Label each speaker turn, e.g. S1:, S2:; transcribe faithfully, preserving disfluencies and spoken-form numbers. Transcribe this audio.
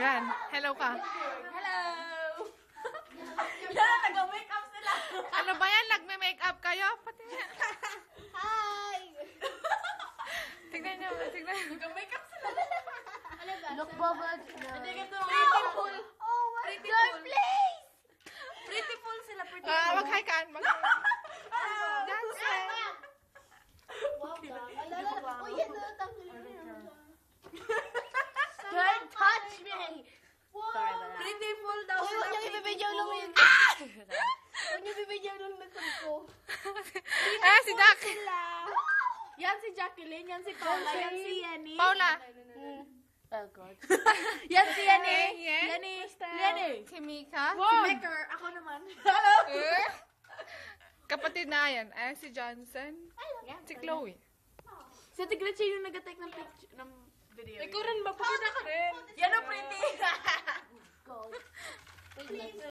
S1: Yan. Hello ka.
S2: Hello! Yan, nag-makeup sila.
S1: Ano ba yan? Nagme-makeup kayo? Pati.
S3: Hi!
S1: Tignan nyo. Tignan nyo.
S2: Nag-makeup sila.
S3: Ano ba?
S2: Look, bubble. Hindi ka ito.
S3: Pretty full. Oh my
S2: Pretty
S3: God,
S2: full.
S3: please!
S2: Pretty full sila. Pretty
S1: Ah,
S2: full.
S1: mag-hi ka. Mag Dancer.
S3: Wow, ka. Alala, oh yan na, tanggalin mo yun.
S2: Don't touch me.
S3: Wow!
S2: Pretty full daw
S3: Uy,
S2: sila.
S3: huwag niyong
S2: pretty
S3: ibibidyo
S2: full.
S3: nung yun. Ah! Huwag niyong ibibidyo nung nagkul ko.
S1: Ah, si Jack.
S2: Yan si Jacqueline, yan si Paula, yan si Yenny.
S1: Paula.
S2: Oh God. Yan si Yenny.
S1: Yen.
S2: Yenny. Yenny.
S1: Si Mika.
S2: Si Maker, ako naman.
S1: Eh? Kapatid na yan. Ayan si Johnson. Si Chloe.
S2: Si Ate Gretchen yung nag-take ng picture, ng video.
S1: Ikaw rin, mapakita ka rin.
S2: Yan ang pretty.
S3: God.